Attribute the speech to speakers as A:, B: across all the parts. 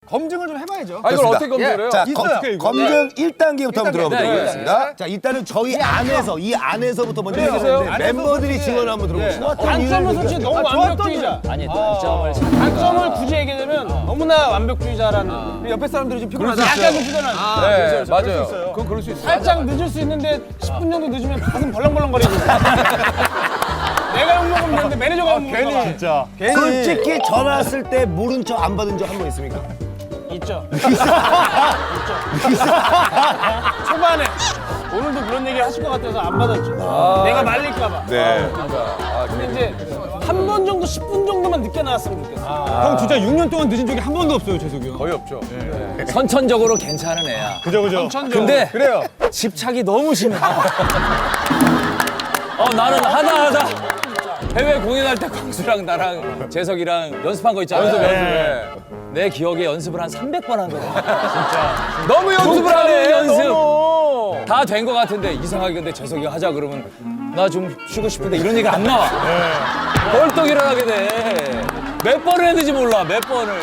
A: 검증을 좀 해봐야죠.
B: 아, 이걸 어떻게 검증을 해요?
C: 자,
A: 있어요.
C: 검증 1단계부터 한번 들어가 보도록
B: 네,
C: 하겠습니다. 자, 일단은 저희 안에서, 이 안에서부터 먼저 해보는데 멤버들이 증언을 한번 들어보시죠.
D: 단점은 솔직히 너무 완벽주의자.
E: 아니 단점을
D: 단점을 굳이 얘기하자면 너무나 완벽주의자라는.
A: 옆에 사람들이 좀 피곤하죠.
D: 약간 좀 피곤한.
B: 네, 맞아요. 그건 그럴 수 있어요.
D: 살짝 늦을 수 있는데 10분 정도 늦으면 가슴 벌렁벌렁거리고. 내가 욕먹으면 되는데 매니저가 욕먹는 거
A: 진짜.
C: 솔직히 전화 왔을 때 모른 척 안 받은 적 한 번 있습니까?
D: 있죠. 초반에 오늘도 그런 얘기 하실 것 같아서 안 받았죠. 내가 말릴까봐.
C: 네.
D: 근데 이제 한 번 정도 10분 정도만 늦게 나왔으면 좋겠어.
A: 형 진짜 6년 동안 늦은 적이 한 번도 없어요, 재석이 형.
B: 거의 없죠.
E: 선천적으로 괜찮은 애야.
A: 그죠.
E: 근데
A: 그래요.
E: 집착이 너무 심해. 나는 하다 해외 공연할 때 광수랑 나랑 재석이랑 연습한 거 있잖아.
B: 연습해.
E: 내 기억에 연습을 한 300번 한 거야.
B: 너무 연습을 하네.
E: 연습.
B: 너무.
E: 다 된 거 같은데 이상하게 근데 재석이가 하자 그러면 나 좀 쉬고 싶은데 이런 얘기가 안 나와. 벌떡 일어나게 돼. 몇 번을 했는지 몰라. 몇 번을.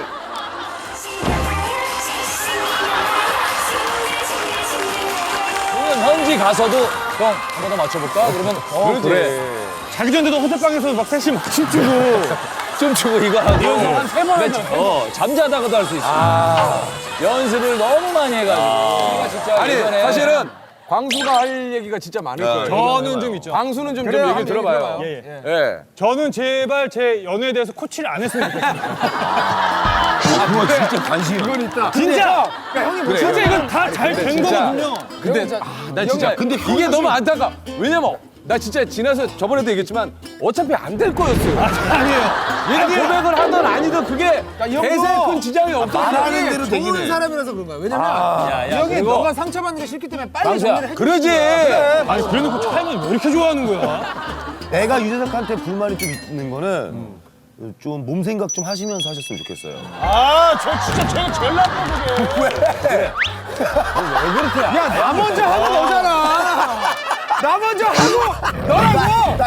E: 공연 현지 가서도 형 한 번 더 맞춰볼까? 그러면 그래.
A: 자기 전에도 호텔방에서 막 셋이 막 춤추고.
E: 춤추고 이거 하고
D: 한 3번 하죠.
E: 잠자다가도 할 수 있어. 연습을 너무 많이 해가지고 우리가 진짜
B: 아니,
E: 예전에
B: 사실은 광수가 할 얘기가 진짜 많을 거예요.
A: 저는 좀 있죠.
B: 광수는 좀
A: 그래요,
B: 얘기
A: 한번
B: 들어봐요.
A: 얘기
B: 예.
A: 저는 제발 제 연애에 대해서 코치를 안 했으면 좋겠어요.
C: 그거 진짜 관심.
B: 이건 있다.
A: 진짜! 진짜 이건 다 잘 된
B: 진짜.
A: 거거든요.
B: 근데 나 진짜 근데 이게 너무 안타까. 왜냐면 나 진짜 지나서 저번에도 얘기했지만 어차피 안 될 거였어요.
A: 아니에요.
B: 얘가 고백을 하든 아니든 그게 대세에 큰 지장이
C: 말하는
B: 없었어.
C: 대로 되긴 해.
A: 사람이라서 그런 거야. 왜냐면
E: 야,
A: 형이
E: 그리고
A: 너가 상처받는 게 싫기 때문에 빨리
E: 광수야,
A: 정리를 해.
B: 그러지.
A: 아니 그래놓고 차이는 왜 이렇게 좋아하는 거야?
C: 내가 유재석한테 불만이 좀 있는 거는 좀 몸 생각 좀 하시면서 하셨으면 좋겠어요.
D: 저 진짜 제가 제일 나쁜 거예요.
A: 야, 나 먼저 하고 너잖아. 나 먼저 하고 너라고.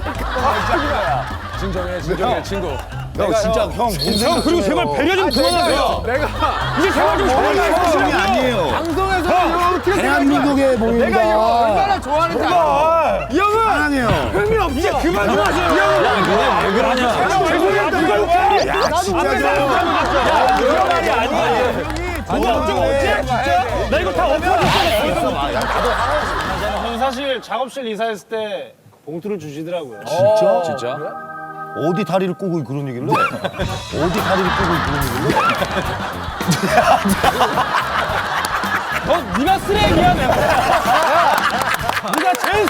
B: 진정해 친구.
C: 형 진짜 형 몸 생각
A: 형 그리고 제발 배려 좀 그만하세요.
B: 내가
A: 이제 제발 좀
C: 형이
A: 그만하세요.
C: 아니에요.
A: 방송에서 이렇게
C: 대한민국의 몸입니다.
A: 내가 이거 얼마나 좋아하는지 알아. 이 형은
C: 사랑해요.
A: 흥미 없지. 이제 그만 좀 하세요. 이 형은
E: 왜 그러냐?
A: 누가 욕해?
C: 야 진짜 저.
A: 그런 말이 아니야. 누가 어쩌고 어째? 진짜? 나 이거 다 엎어졌어.
D: 저는 사실 작업실 이사했을 때 봉투를 주시더라고요.
E: 진짜?
C: 어디 다리를 꼬고 그런 얘기를 해? 어디 다리를 꼬고 그런 얘기를 해?
D: 네가 쓰레기야 내가. 네가 제일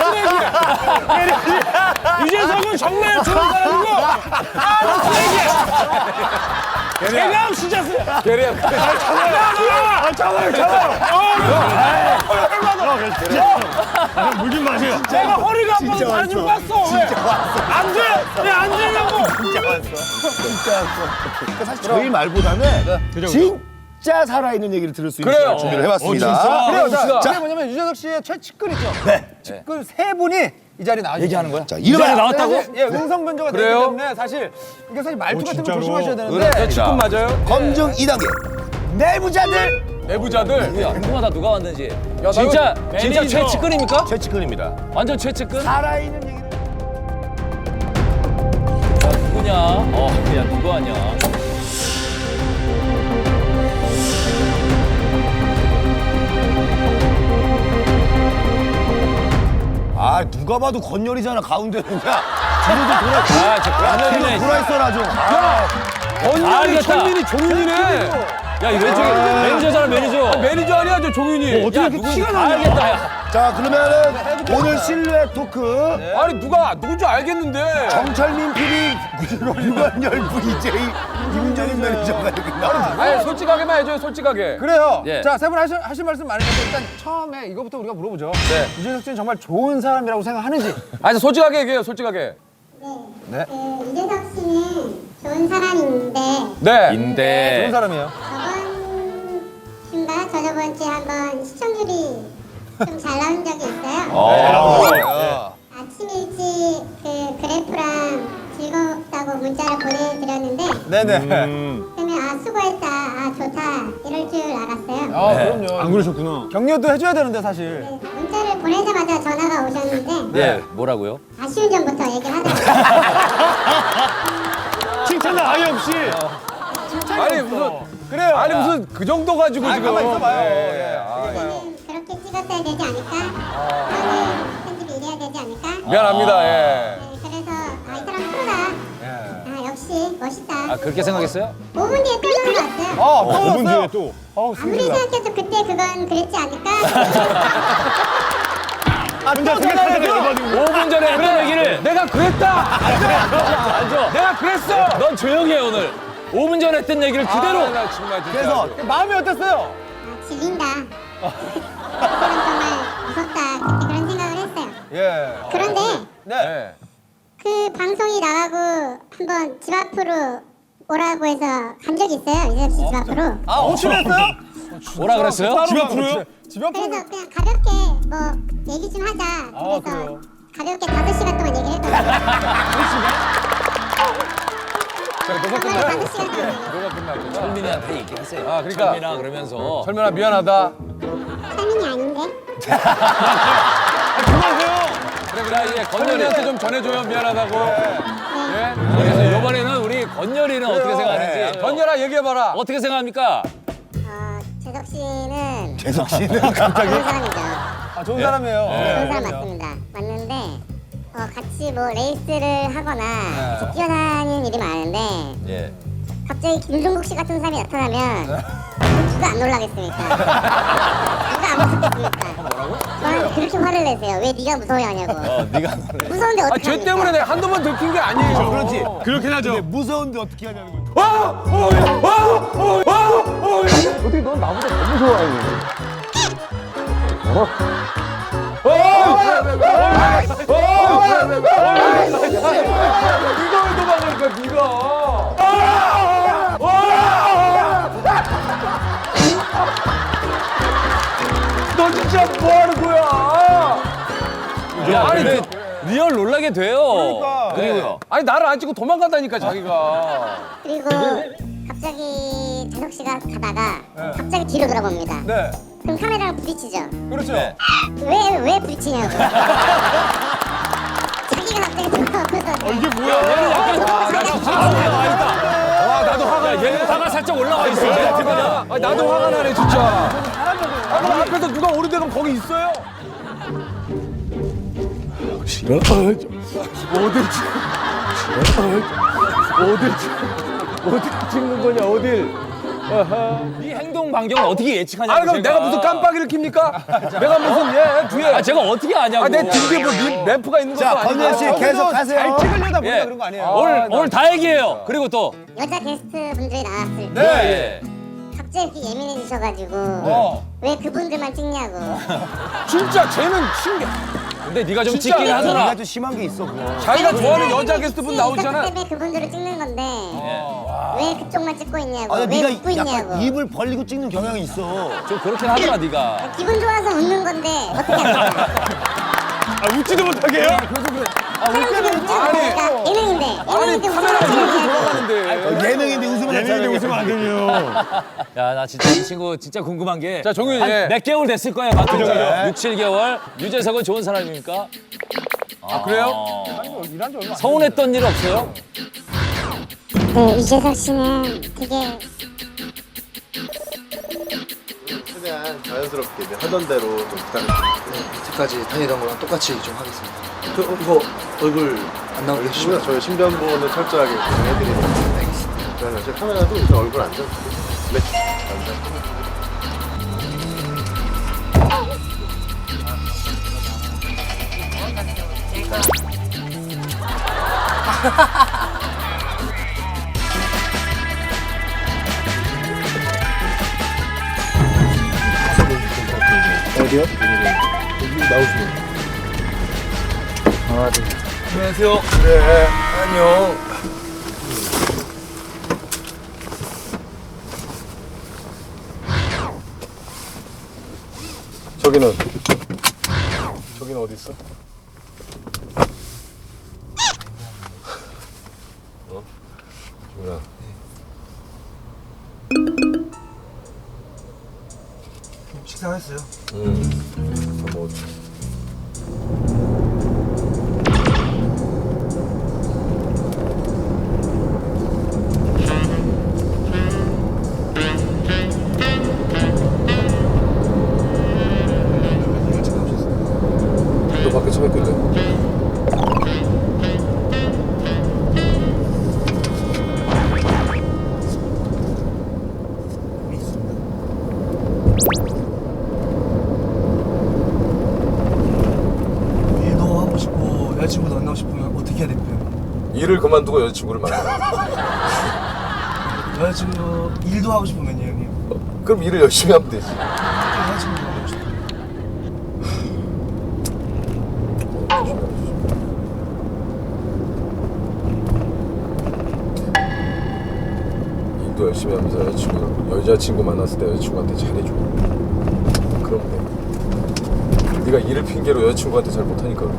D: 쓰레기야. 유재석은 정말 좋은 사람이고 너 쓰레기야. 걔가 진짜 쓰레기야.
B: 게리야.
A: 물좀 마세요.
D: 내가 허리가 아파서 다리 좀 깠어. 왜? 안 돼. 왜 안 되냐고.
C: 사실 저희 말보다는 진짜 살아있는 얘기를 들을 수 있는
B: 그래요.
C: 시간 준비를 해봤습니다.
A: 그래요.
E: 봅시다.
A: 자, 그게 뭐냐면 유재석 씨의 최측근 있죠? 네. 측근 세 분이 이 자리에 나와주세요.
E: 얘기하는 거야?
C: 자, 이름하여
E: 나왔다고?
A: 예, 음성 변조가 되기
B: 그래요?
A: 때문에 사실 이게 사실 말투 같은 거
C: 진짜로?
A: 조심하셔야 되는데
B: 치킨 맞아요?
C: 검증 2단계. 내부자들
B: 내부자들.
E: 야, 궁금하다 누가 왔는지.
B: 나
E: 진짜
B: 이거
E: 진짜
D: 매니저.
E: 최측근입니까?
C: 최측근입니다.
E: 완전 최측근?
C: 살아있는 얘기를.
E: 누구냐? 야 누구 하냐?
C: 아 누가 봐도 건열이잖아 가운데는. 야
E: 건열이네.
C: 돌아 있어라 좀.
B: 언니
E: 알겠다.
B: 천민이 종윤이네.
E: 야, 이 왼쪽에 매니저잖아, 매니저.
B: 매니저 아니야 저 종윤이.
E: 야, 누군지 다 알겠다, 야.
C: 자 그러면은 오늘 실루엣 토크
B: 아니 누가 누군지 알겠는데.
C: 정철민 PD, 유관열 VJ, 김정인 매니저가 이렇게 나와.
B: 아니 솔직하게만 해줘요 솔직하게.
A: 그래요.
E: 예.
A: 자, 세 분 하실 말씀 많으신데 일단 처음에 이거부터 우리가 물어보죠.
B: 네.
A: 유재석 씨는 정말 좋은 사람이라고 생각하는지.
B: 아니 솔직하게 얘기해요 솔직하게.
F: 네. 유재석 씨는 좋은 사람인데
B: 네.
A: 좋은
E: 인데.
A: 사람이에요.
F: 저번 주인가 저저번 주에 한번 시청률이 좀 잘 나온 적이 있어요. 아침 일찍 그 그래프랑 즐겁다고 문자를 보내드렸는데
A: 네네.
F: 그러면 아 수고했다, 아 좋다 될 줄 알았어요.
D: 아 그럼요.
A: 안 그러셨구나.
D: 격려도 해줘야 되는데 사실.
F: 네, 문자를 보내자마자 전화가 오셨는데
E: 예, 뭐라고요?
F: 아쉬운 점부터 얘기를 하더라고요.
A: 칭찬은 아예 없이.
B: 아니 무슨
D: 그래요.
B: 아니 무슨 그 정도 가지고 지금.
D: 가만 있어봐요.
B: 예.
F: 저는 그렇게 찍었어야 되지 않을까? 저는 편집이 이래야 되지 않을까?
B: 미안합니다. 예.
F: 네, 그래서 이 사람 프로다. 역시 멋있다.
E: 아, 그렇게 생각했어요?
F: 5분 뒤에 또 전화 왔어요.
D: 아, 또
A: 5분 뒤에
D: 왔어요?
A: 또.
F: 아무리 생각해도 그때 그건 그랬지 않을까?
A: 혼자 생각하다가 열받은 거.
E: 5분 전에 했던 얘기를
B: 내가 그랬다.
E: 앉아.
B: 내가 그랬어.
E: 넌 조용히 해 오늘. 5분 전에 했던 얘기를 그대로.
B: 아, 나 정말 진짜.
D: 그래서 마음이 어땠어요?
F: 질린다. 그때는 정말 무섭다. 그때 그런 생각을 했어요.
D: 예.
F: 그런데
D: 네.
B: 예.
F: 그 방송이 나가고 한번 집 앞으로 오라고 해서 간 적이 있어요. 이재석 씨 집 앞으로.
D: 아 오시면 했어요?
E: 뭐라 그랬어요?
A: 집 앞으로요?
D: 집 앞으로.
F: 그래서 그냥 가볍게 뭐 얘기 좀 하자. 그래서
D: 그래요?
F: 가볍게 5시간 동안 얘기를 했거든요. 정말 5시간 동안.
B: 뭐가 끝나고.
E: 철민이한테 얘기하세요.
B: 아, 그러니까.
E: 철민아 그러면서.
B: 철면아 미안하다.
F: 사민이 아닌데?
B: 그래 이제 건열이한테 좀 전해줘요. 미안하다고. 예.
E: 그래서 이번에는 우리 건열이는 어떻게 생각하는지.
B: 건열아 얘기해봐라.
E: 어떻게 생각합니까?
F: 재석 씨는 좋은 사람이죠.
D: 아 좋은 사람이에요.
F: 좋은 사람 맞습니다. 맞는데 같이 뭐 레이스를 하거나 같이 뛰어다니는 일이 많은데
E: 예.
F: 갑자기 김종국 씨 같은 사람이 나타나면 누가 안 놀라겠습니까? 누가 안 무섭겠습니까? 뭐라고? 저한테 그렇게 화를 내세요. 왜 네가 무서워하냐고.
E: 네가
F: 무서운데
B: 아,
F: 어떻게
B: 쟤 때문에 내가 한두 번 들킨 게 아니에요.
C: 그렇지.
A: 그렇긴 하죠.
C: 무서운데 어떻게 하냐는 거지.
B: 어떻게 넌 나보다 더 무서워해? 네가 왜 도망가니까 네가? 너 진짜 뭐 하는 거야?
E: 야, 아니 리얼 놀라게 돼요.
B: 그리고요. 아니 나를 안 찍고 도망간다니까 자기가.
F: 그리고 갑자기 재석 씨가 가다가 갑자기 뒤로 돌아봅니다.
D: 네.
F: 그럼 카메라랑 부딪히죠.
D: 그렇죠.
E: 네.
F: 왜 부딪히냐고. 자기가 갑자기 돌아오면서
A: 이게 뭐야?
B: 와 나도 화가 나.
E: 얘는 화가 살짝 올라와 있어.
B: 그냥. 아니, 나도 화가 나네 진짜. 아 그럼 앞에서 누가 오는데 그럼 거기 있어요? 어딜 찍는 거냐 어딜?
E: 이 행동 반경을 어떻게 예측하냐고.
B: 아니 그럼
E: 제가.
B: 내가 무슨 깜빡이를 킵니까? 내가 무슨 뒤에.
E: 아 제가 어떻게 아냐고.
B: 내 뒤에 뭐 램프가 있는 것도
C: 자,
B: 아니고.
C: 건열 씨 계속 하세요.
D: 잘 찍으려다 보니까
E: 예.
D: 그런 거 아니에요?
E: 오늘 다 얘기해요. 그리고 또.
F: 여자 게스트 분들이 나왔을 때
E: 네.
F: 갑자기 이렇게 예민해지셔가지고 왜 그분들만 찍냐고.
B: 진짜 쟤는 신기.
E: 근데 네가 좀
B: 진짜
E: 찍긴 하더라.
C: 네가 좀 심한 게 있어 그거.
B: 자기가 좋아하는 여자 게스트분 나오잖아.
F: 때문에 그분들을 찍는 건데 왜 그쪽만 찍고 있냐고.
C: 아니
F: 왜
C: 네가
F: 웃고 있냐고.
C: 약간 입을 벌리고 찍는 경향이 있어.
E: 좀 그렇긴 하더라 네가.
F: 기분 좋아서 웃는 건데 어떻게 합니까?
A: 아, 웃지도 못하게 해요?
F: 사람들이 웃지도 못하니까 예능인데 예능인데
B: 카메라가 이렇게
F: 웃으면
B: 돌아가는데.
C: 예능인데 웃으면
A: 예능인데 웃으면 안 되네요.
E: 야 나 진짜 이 친구 진짜 궁금한 게.
B: 자 정윤이.
E: 한 몇 개월 됐을 거야 맡은 지. 6, 7개월. 유재석은 좋은 사람입니까?
B: 아 그래요?
E: 서운했던 일 없어요?
F: 네, 이재석 씨는 되게
G: 최대한 자연스럽게 이제 하던 대로 좀 부탁드립니다.
H: 여태까지 다니던 거랑 똑같이 좀 하겠습니다. 이거 얼굴 안 나오게 해주시면
G: 저희 신변보호는 철저하게 진행해드리는.
H: 알겠습니다.
G: 그러면 제 카메라도 일단 얼굴 안 잡고. 네, 감사합니다. 어디요? 여기 나오시면.
H: 안녕하세요.
G: 네.
H: 안녕.
G: 저기는 어디 있어? 뭐야?
H: 생각했어요.
B: 뭐 너 밖에 서 있길래.
H: 일도 하고 싶고 여자친구도 만나고 싶으면 어떻게 해야 될까요?
B: 일을 그만두고 여자친구를 만나.
H: 여자친구 일도 하고 싶으면요 형님.
B: 그럼 일을 열심히 하면 되지.
H: 여자친구 만나고 싶어요.
B: 일도 열심히 하면서 여자친구 만났을 때 여자친구한테 잘해줘. 그럼 돼. 네가 일을 핑계로 여자친구한테 잘 못하니까 그래.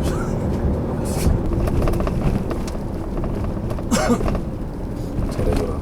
B: 잘해줘라.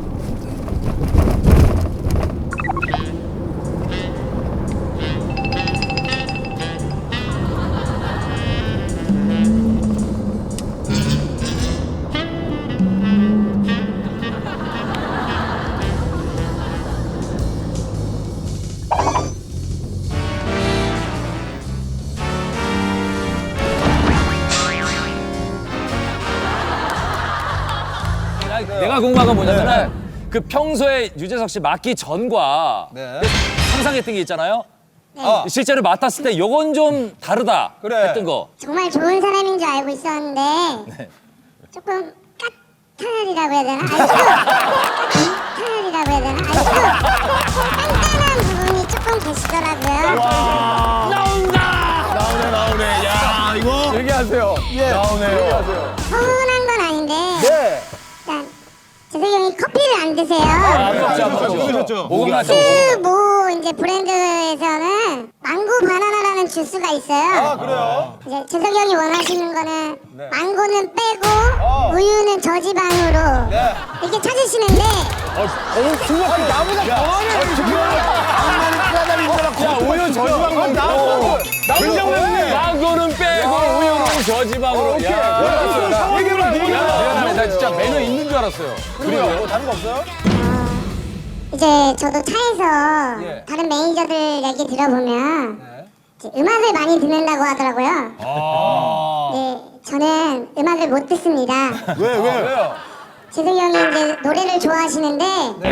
E: 내가 궁금한 건 뭐냐면은 그 평소에 유재석 씨 맡기 전과 상상했던 게 있잖아요. 실제로 맡았을 때 요건 좀 다르다 했던 거.
F: 정말 좋은 사람인 줄 알고 있었는데 조금 까탈이라고 해야 되나? 까탈이라고 해야 되나? 깐깐한 부분이 조금 계시더라고요.
C: 나오네. 야, 이거.
B: 얘기하세요.
F: 서운한 건 아닌데 일단 재석이 형이 커피를 안 드세요.
E: 목은 맞죠?
F: 뭐 이제 브랜드에서는 망고 바나나라는 주스가 있어요. 그래요? 이제 재석이 형이 원하시는 거는 망고는 빼고 우유는 저지방으로 이렇게 찾으시는데
E: 야, 우유 저지방 먹고. 망고는 빼고 우유는 저지방으로. 야, 미안해. 나 진짜 메뉴 있는 줄 알았어요.
D: 그래요? 다른 거 없어요?
F: 이제 저도 차에서 다른 매니저들 얘기 들어보면 이제 음악을 많이 듣는다고 하더라고요. 네, 저는 음악을 못 듣습니다.
C: 왜?
F: 재석이 형이 이제 노래를 좋아하시는데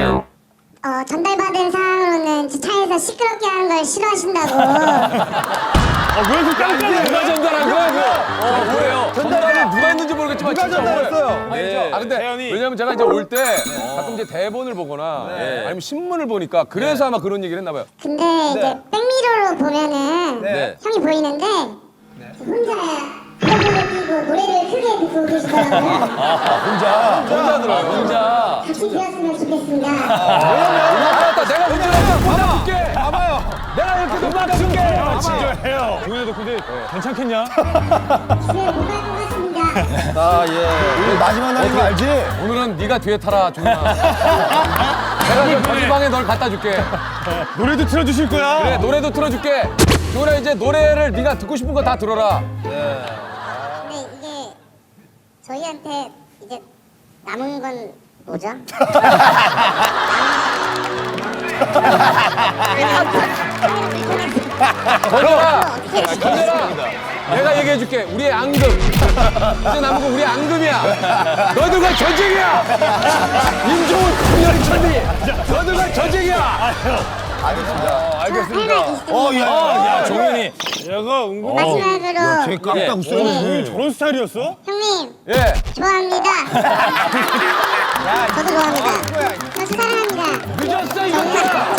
F: 전달받은 사항으로는 이제 차에서 시끄럽게 하는 걸 싫어하신다고.
E: 누가 전달한 거야, 그거? 뭐예요?
B: 전달을 누가 했는지 모르겠지만
C: 누가
B: 진짜
C: 전달했어요?
B: 아 근데 왜냐면 제가 이제 올 때 가끔 이제 대본을 보거나 아니면 신문을 보니까 그래서 아마 그런 얘기를 했나 봐요.
F: 근데 이제 백미러로 보면은
E: 네.
F: 형이 보이는데 혼자 이어폰을 끼고 노래를 크게 듣고 계시더라고요.
B: 혼자 들어요.
E: 혼자.
F: 같이 되었으면 좋겠습니다.
B: 알았다. 내가 운전해서 받아줄게. 봐봐요. 내가 이렇게 받아줄게.
A: 진짜해요. 동현이도 근데 괜찮겠냐?
F: 집에 못 갈 것 같습니다.
C: 우리 마지막 날인 거 알지?
B: 오늘은 네가 뒤에 타라, 종현아. 내가 저 방에 널 갖다 줄게.
A: 노래도 틀어주실 거야?
B: 그래, 노래도 틀어줄게. 종현아, 이제 노래를 네가 듣고 싶은 거 다 들어라.
F: 근데 이게 저희한테 이제 남은 건 뭐죠?
B: 건열아, 내가 얘기해줄게. 우리의 앙금. 이제 남은 거 우리의 앙금이야. 너들과 전쟁이야. 임종훈, 건열, 천리. 너들과 전쟁이야.
F: 알겠습니다.
A: 야, 종현이.
F: 마지막으로
C: 쟤 깜짝 웃어.
A: 저런 스타일이었어?
F: 형님
B: 예.
F: 좋아합니다. 저도 좋아합니다. 저 사랑합니다.
B: 늦었어, 이거.